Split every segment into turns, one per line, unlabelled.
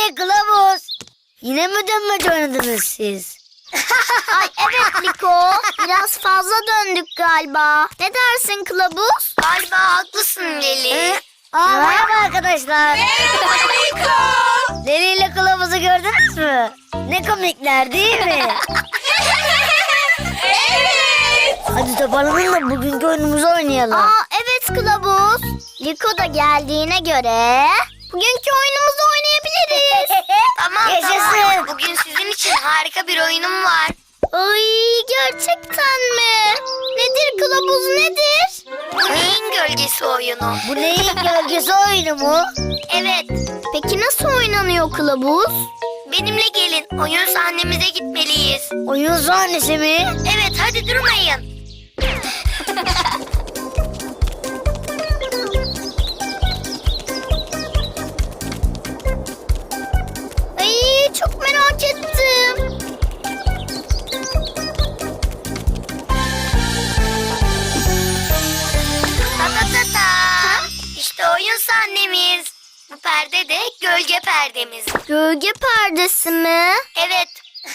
Kılavuz. Yine mi dönmece oynadınız siz?
Ay evet Liko. Biraz fazla döndük galiba. Ne dersin Kılavuz?
Galiba haklısın Leli.
Merhaba arkadaşlar.
Merhaba Liko.
Leli ile Kılavuz'u gördünüz mü? Ne komikler değil mi?
Evet.
Hadi toparlanın da bugünkü oyunumuzu oynayalım.
Evet Kılavuz. Liko da geldiğine göre bugünkü oyunumuzu oynayabiliriz.
Tamam
Yaşasın.
tamam. Bugün sizin için harika bir oyunum var.
Ay gerçekten mi? Nedir Kılavuz nedir?
Bu neyin gölgesi oyunu?
Bu neyin gölgesi oyunu mu?
Evet.
Peki nasıl oynanıyor Kılavuz?
Benimle gelin. Oyun sahnemize gitmeliyiz.
Oyun sahnesi mi?
Evet hadi durmayın.
Ay çok merak ettim.
Ta ta ta ta. İşte oyun sahnemiz. Bu perde de gölge perdemiz.
Gölge perdesi mi?
Evet.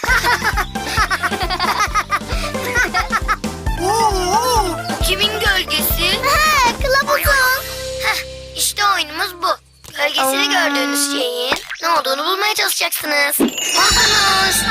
Kimin gölgesi?
Ha, Kılavuzun.
Heh, işte oyunumuz bu. Gölgesini gördüğünüz şeyin ne olduğunu bulmaya çalışacaksınız. Buldunuz.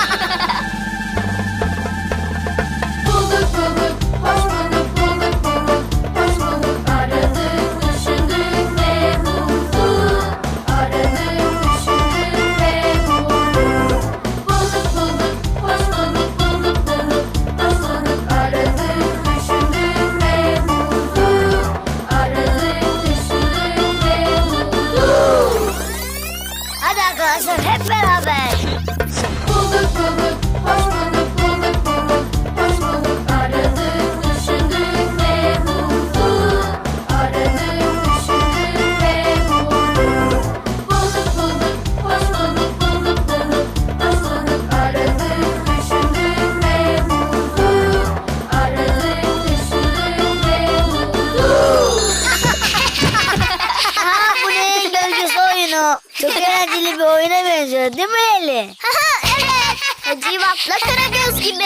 Bulduk bulduk, hoş bulduk, bulduk bulduk, hoş bulduk. Aradık, düşündük ve bulduk. Aradık, düşündük ve bulduk. Bulduk bulduk, hoş bulduk, bulduk bulduk, hoş bulduk. Aradık, düşündük ve bulduk. Aradık, düşündük ve bulduk.
Hadi arkadaşlar hep beraber.
Bulduk bulduk, hoş bulduk, bulduk bulduk, hoş bulduk. Aradık, düşündük ve bulduk. Aradık, düşündük ve bulduk. Bulduk bulduk, hoş bulduk, bulduk bulduk, hoş bulduk. Aradık, düşündük ve bulduk. Aradık, düşündük ve bulduk.
Bu neyin gölgesi oyunu? Çok eğlenceli bir oyuna benziyor değil mi Eli?
Evet. Hacivat'la Karagöz gibi.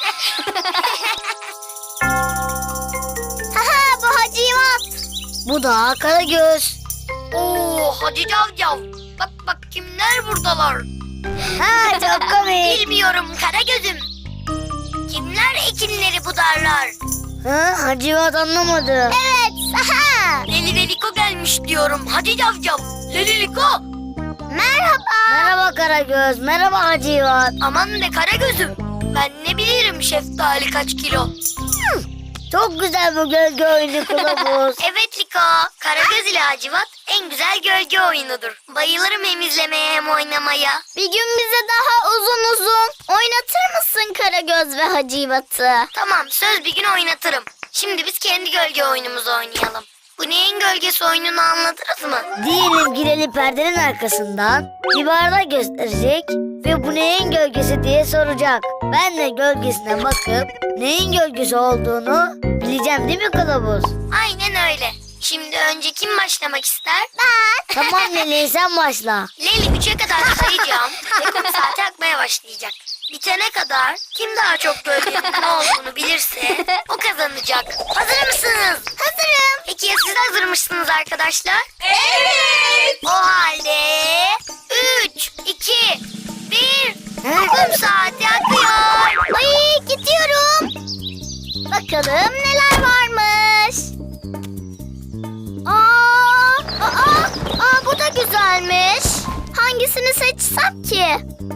Bu Hacivat.
Bu da Karagöz.
Oo hadi cavcav. Bak bak kimler buradalar.
Ha çok komik.
Bilmiyorum Karagöz'üm. Kimler ekinleri budarlar?
Ha Hacivat anlamadı.
Evet.
Leli ve Liko gelmiş diyorum. Hadi cavcav. Leli Liko.
Merhaba.
Merhaba Karagöz. Merhaba Hacivat.
Aman be Karagöz'üm. Ben ne bilirim şeftali kaç kilo.
Çok güzel bu gölge oyunu Kılavuz.
Evet Liko. Karagöz ile Hacivat en güzel gölge oyunudur. Bayılırım hem izlemeye hem oynamaya.
Bir gün bize daha uzun oynatır mısın Karagöz ve Hacivat'ı?
Tamam söz bir gün oynatırım. Şimdi biz kendi gölge oyunumuzu oynayalım. Bu neyin gölgesi oyununu anladınız mı?
Diyelim girelim perdenin arkasından bir bardak gösterecek ve bu neyin gölgesi diye soracak. Ben de gölgesine bakıp neyin gölgesi olduğunu bileceğim değil mi Kılavuz?
Aynen öyle. Şimdi önce kim başlamak ister?
Tamam Leli sen başla.
Leyli 3'e kadar sayacağım ve kum saati akmaya başlayacak. Bitene kadar kim daha çok gölgenin ne olduğunu bilirse o kazanacak. Hazır mısınız?
Hazırım.
Peki ya siz hazır mısınız arkadaşlar? Evet. O halde 3, 2, 1. Kum saati akıyor.
Ay gidiyorum. Bakalım neler varmış. Bu da güzelmiş. Hangisini seçsem ki?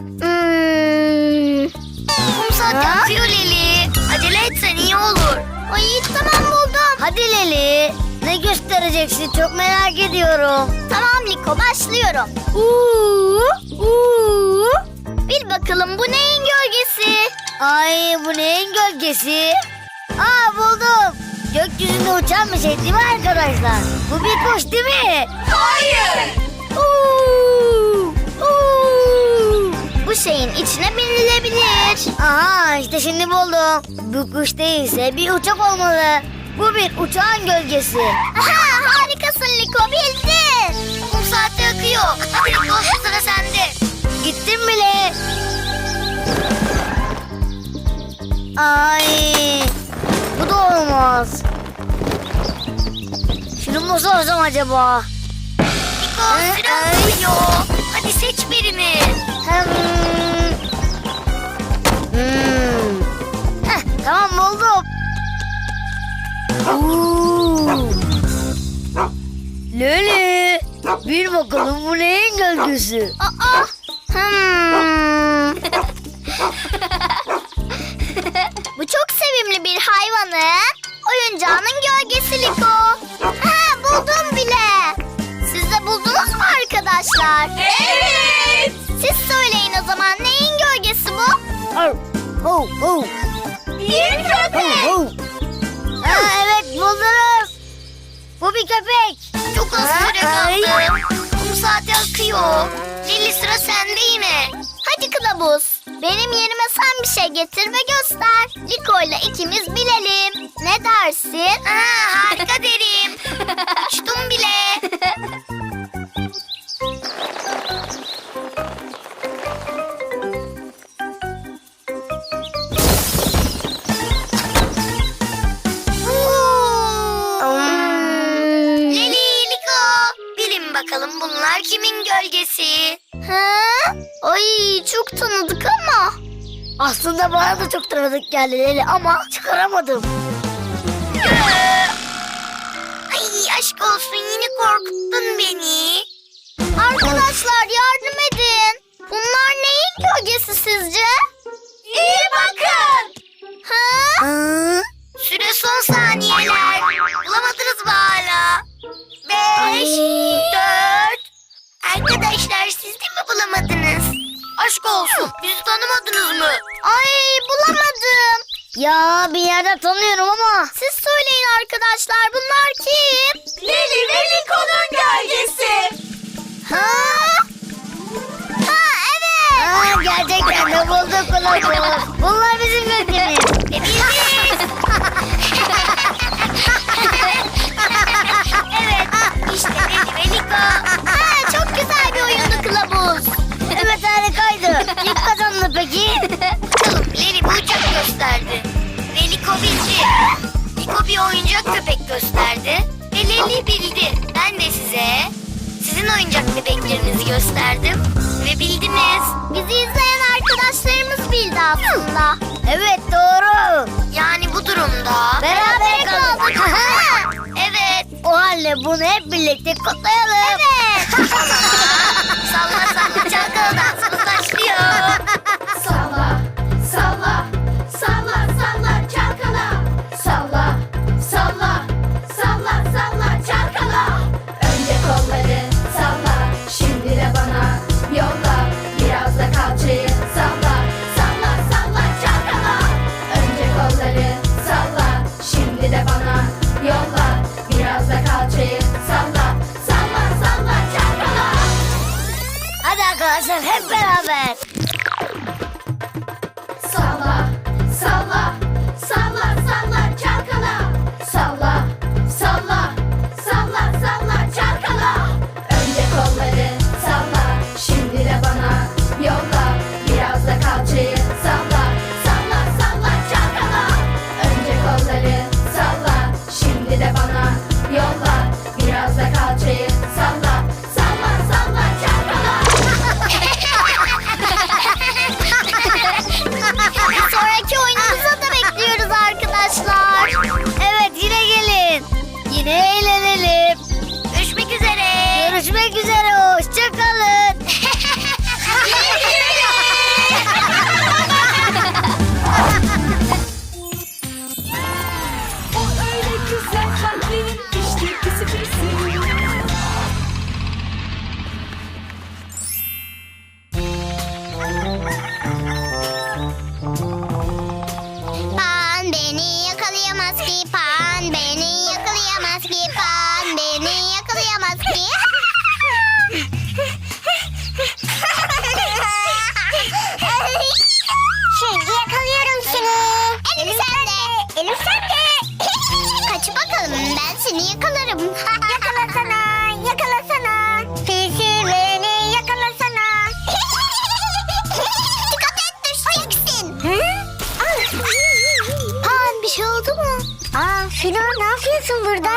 Kum saati akıyor Leli. Acele etsen iyi olur.
Ay tamam buldum.
Hadi Leli ne göstereceksin çok merak ediyorum.
Tamam Liko başlıyorum. Bil bakalım bu neyin gölgesi?
Ay bu neyin gölgesi? Buldum. Gökyüzünde uçan bir şey değil mi arkadaşlar? Bu bir kuş değil mi?
Hayır.
Bu şeyin içine binilebilir.
Aha işte şimdi buldum. Bu kuş değilse bir uçak olmalı. Bu bir uçağın gölgesi.
Harikasın Liko bildin.
Kum saati akıyor. Hadi Liko sıra sende.
Gittim bile. Ay, bu da olmaz. Şunu mu sorsam acaba?
Liko süre akıyor. Hadi seç birini.
Heh, tamam buldum. Oo. Leli, bir bakalım bu neyin gölgesi?
Aa. Bu çok sevimli bir hayvanın oyuncağının gölgesi Liko. Ha, buldum bile. Siz de buldunuz mu arkadaşlar?
Evet.
Siz söyleyin o zaman, neyin gölgesi bu?
Oh, oh, oh.
Bir köpek.
Oh, oh. Ha, evet buldunuz. Bu bir köpek.
Çok az süre
Ay.
kaldı. Kum saati akıyor. Leli sıra sende yine.
Hadi kılavuz, benim yerime sen bir şey getir ve göster. Liko ile ikimiz bilelim. Ne dersin?
Harika derim. Uçtum bile. Leli, Liko. Bilin bakalım bunlar kimin gölgesi?
Ha? Ay, çok tanıdık ama.
Aslında bana da çok tanıdık geldi Leli ama çıkaramadım.
Ay aşk olsun yine korkuttun beni.
Arkadaşlar yardım edin. Bunlar neyin gölgesi sizce?
İyi bakın.
Ha?
Hı?
Süre son saniyeler. Bulamadınız mı hala? 5, 4. Arkadaşlar siz de mi bulamadınız? Aşk olsun bizi tanımadınız mı?
Ay, bulamadım.
Ya bir yerden tanıyorum ama.
Siz söyleyin arkadaşlar, bunlar kim?
Leli ve Liko'nun gölgesi.
Ha? Ha, evet.
Aa, gerçekten de bulduk kılavuz. Bunlar bizim gölgemiz.
Biziz. Evet işte Leli ve Liko.
Ha, çok güzel bir oyundu kılavuz.
Evet harikaydı. Kim kazandı peki?
Bakalım Leli bir uçak gösterdi. Ve Liko bildi. Liko bir oyuncak köpek gösterdi. Ve Leli bildi. Ben de size sizin oyuncak bebeklerinizi gösterdim. Ve bildiniz.
Bizi izleyen arkadaşlarımız bildi aslında.
Evet doğru.
Yani bu durumda.
Beraber kaldık.
Evet.
O halde bunu hep birlikte kutlayalım.
Evet.
Salla salla çalkalı dansımız başlıyor.
Salla, salla, salla, salla çalkala. Salla, salla, salla, salla çalkala. Önce kolları salla, şimdi de bana yolla. Biraz da kalçayı salla, salla, salla çalkala. Önce kolları salla, şimdi de bana yolla. Biraz da kalçayı salla, salla, salla çalkala.
Hadi arkadaşlar hep beraber.
Salla, salla, salla, salla çalkala. Salla, salla, salla, salla çalkala. Önce kolları salla, şimdi de bana yolla. Biraz da kalçayı salla, salla, salla çalkala. Önce kolları salla, şimdi de bana yolla. Biraz da kalçayı salla, salla, salla çalkala.
Bir sonraki oyunumuza da bekliyoruz arkadaşlar.
Evet yine gelin. Yine eğlenelim.
Görüşmek üzere.
Görüşmek üzere. Hoşçakalın.
O öyle güzel kalplerin işte pisi pisi.
Pan beni yakalayamaz ki, pan beni yakalayamaz ki, pan beni yakalayamaz ki. Şimdi yakalıyorum seni. Elim sende. Elim sende. Kaç bakalım, ben seni yakalarım. Yakalasana, yakalasana. Pisi beni yakalasana. Aa Fino, ne yapıyorsun burada?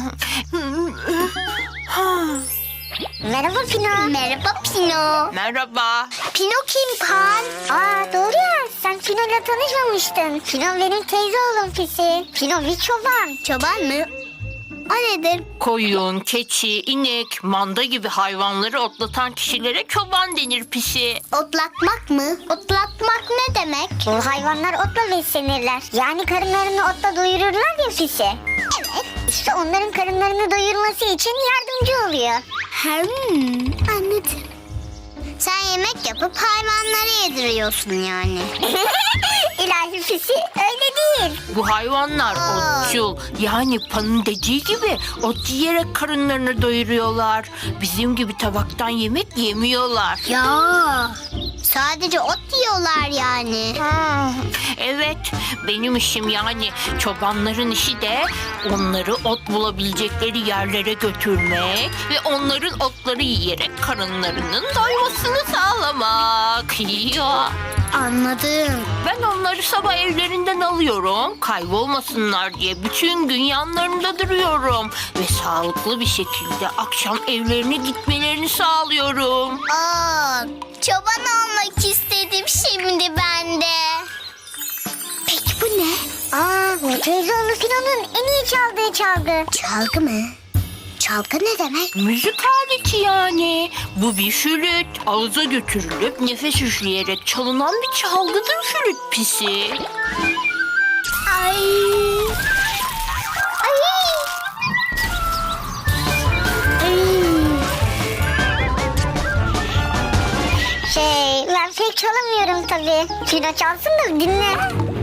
Merhaba Pino. Merhaba Pino.
Merhaba.
Pino kim Pan? Aa doğru ya, sen Pino'yla tanışmamıştın. Pino benim teyze oğlum Pisi. Pino bir çoban. Çoban mı? O nedir?
Koyun, keçi, inek, manda gibi hayvanları otlatan kişilere çoban denir pisi.
Otlatmak mı? Otlatmak ne demek? Bu hayvanlar otla beslenirler. Yani karınlarını otla doyururlar ya Pisi. Evet. İşte onların karınlarını doyurması için yardımcı oluyor. Anladım. Sen yemek yapıp hayvanlara yediriyorsun yani. İlahi Pisi, öyle değil.
Bu hayvanlar otçul. Yani Pan'ın dediği gibi ot yiyerek karınlarını doyuruyorlar. Bizim gibi tabaktan yemek yemiyorlar.
Ya. Sadece ot yiyorlar yani.
Evet, benim işim yani çobanların işi de onları ot bulabilecekleri yerlere götürmek ve onların otları yiyerek karınlarının doymasını sağlamak. Ya.
Anladım.
Ben onları sabah evlerinden alıyorum. Kaybolmasınlar diye bütün gün yanlarında duruyorum. Ve sağlıklı bir şekilde akşam evlerine gitmelerini sağlıyorum.
Aa, çoban olmak istedim şimdi ben de. Peki bu ne? Aa, bu teyzeoğlu Fino'nun en iyi çaldığı çalgı. Çalgı mı? Çalgı ne demek?
Müzik aleti yani. Bu bir flüt. Ağza götürülüp nefes üfleyerek çalınan bir çalgıdır flüt pisi.
Ay. Ay. Ben pek çalamıyorum tabii. Fino çalsın da dinle.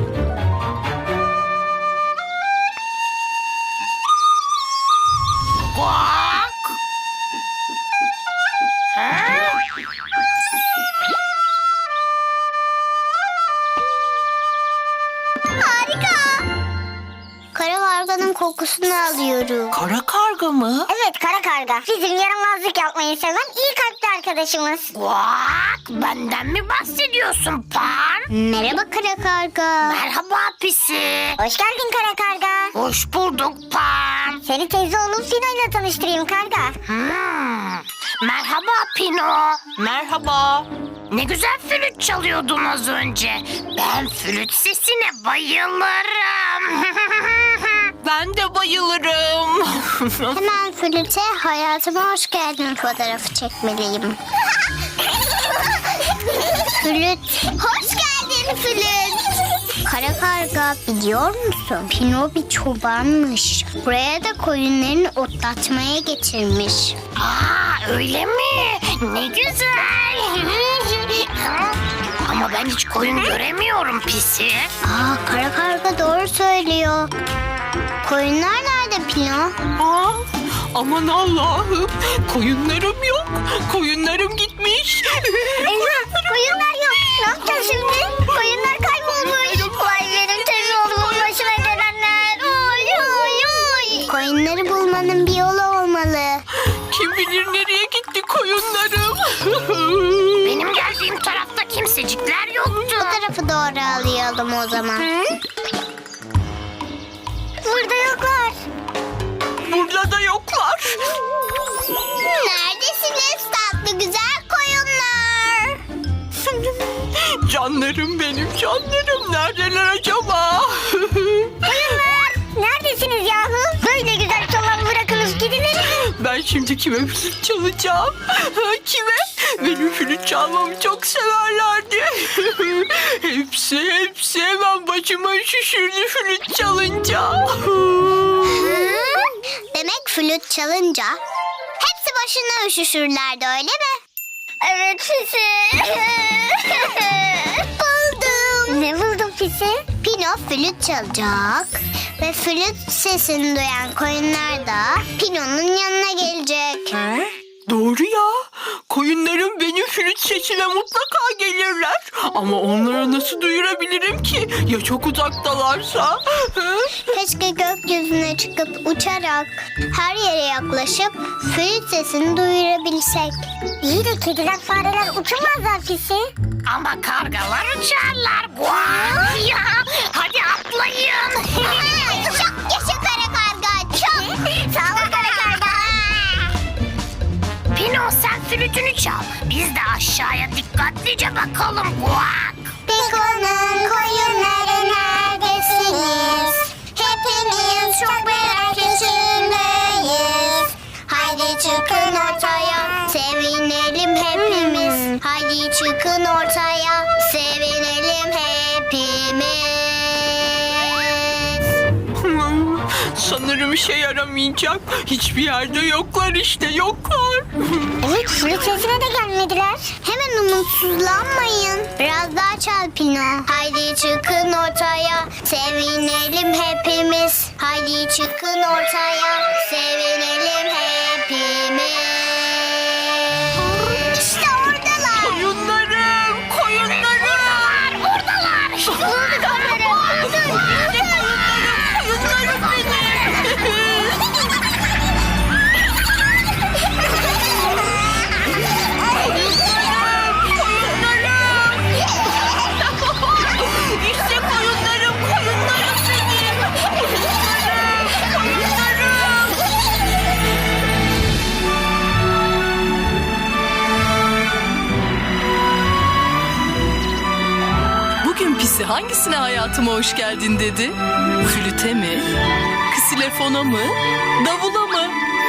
Bak.
Harika. Kara karganın kokusunu alıyorum.
Kara karga mı?
Evet, kara karga. Bizim yaramazlık yapmayı seven iyi kalpli arkadaşımız.
Bak, benden mi bahsediyorsun Pan?
Merhaba kara karga.
Merhaba pisi.
Hoş geldin kara karga.
Hoş bulduk Pan.
Seni teyze oğlum Fino ile tanıştırayım karga.
Merhaba Pino. Merhaba. Ne güzel flüt çalıyordun az önce. Ben flüt sesine bayılırım. Ben de bayılırım.
Hemen flüte hayatıma hoş geldin fotoğrafı çekmeliyim. Flüt. Hoş geldin flüt. Kara karga, biliyor musun? Pino bir çobanmış. Buraya da koyunlarını otlatmaya getirmiş.
Aa, öyle mi? Ne güzel. Ama ben hiç koyun göremiyorum pisi.
Aa, kara karga doğru söylüyor. Koyunlar nerede Pino?
Aa, aman Allah'ım. Koyunlarım yok. Koyunlarım gitmiş.
Eyvah, koyunlar yok. Ne yapacağız şimdi? Koyunlar kaybolmuş. Vay benim teyze oğlumun başına gelenler. Oy oy oy. Koyunları bulmanın bir yolu olmalı.
Kim bilir nereye gitti koyunlarım. Benim geldiğim tarafta kimsecikler yoktu.
Bu tarafı doğru alayalım o zaman. Burada yoklar.
Burada da yoklar.
Neredesiniz tatlı güzel koyunlar?
Canlarım benim canlarım. Neredeler acaba?
Koyunlar neredesiniz yahu? Böyle güzel çoban bırakınız gidilir.
Ben şimdi kime flüt çalacağım? Kime? Benim flüt çalmamı çok severlerdi. hepsi hemen başıma şişirdi flüt çalınca.
Demek flüt çalınca hepsi başına üşüşürlerdi öyle mi? Evet Fisi. Buldum. Ne buldun Fisi? Pino flüt çalacak ve flüt sesini duyan koyunlar da Pino'nun yanına gelecek.
Doğru ya. Koyunlarım benim flüt sesine mutlaka gelirler. Ama onlara nasıl duyurabilirim ki? Ya çok uzaktalarsa?
Keşke gökyüzüne çıkıp uçarak her yere yaklaşıp flüt sesini duyurabilsek. İyi de kediler fareler uçamazlar Fisi.
Ama kargalar uçarlar. Guak ya. Hadi atlayın.
Çok
aşağıya dikkatlice bakalım. Guak.
Piko'nun koyunları neredesiniz? Hepimiz çok merak içindeyiz. Haydi çıkın ortaya, sevinelim hepimiz. Haydi çıkın ortaya, sevinelim hepimiz.
Sanırım işe yaramayacak. Hiçbir yerde yoklar işte, yoklar.
Evet, flüt sesine de gelmediler. Hemen umutsuzlanmayın. Biraz daha çal Pino. Haydi çıkın ortaya, sevinelim hepimiz. Haydi çıkın ortaya, sevinelim hepimiz. İşte oradalar.
Koyunlarım, koyunlarım.
Buradalar. İşte
Bulduk onları. Bulduk.
Koyunlarım benim. İşte koyunlarım, koyunlarım benim. Koyunlarım, koyunlarım.
Bugün Pisi hangisine hayatıma hoş geldin dedi? Flüte mi? Ksilefona mı? Davula mı?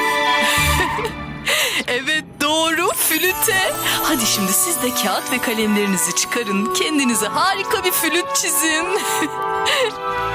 Evet doğru, flüte. Hadi şimdi siz de kağıt ve kalemlerinizi çıkarın. Kendinize harika bir flüt çizin.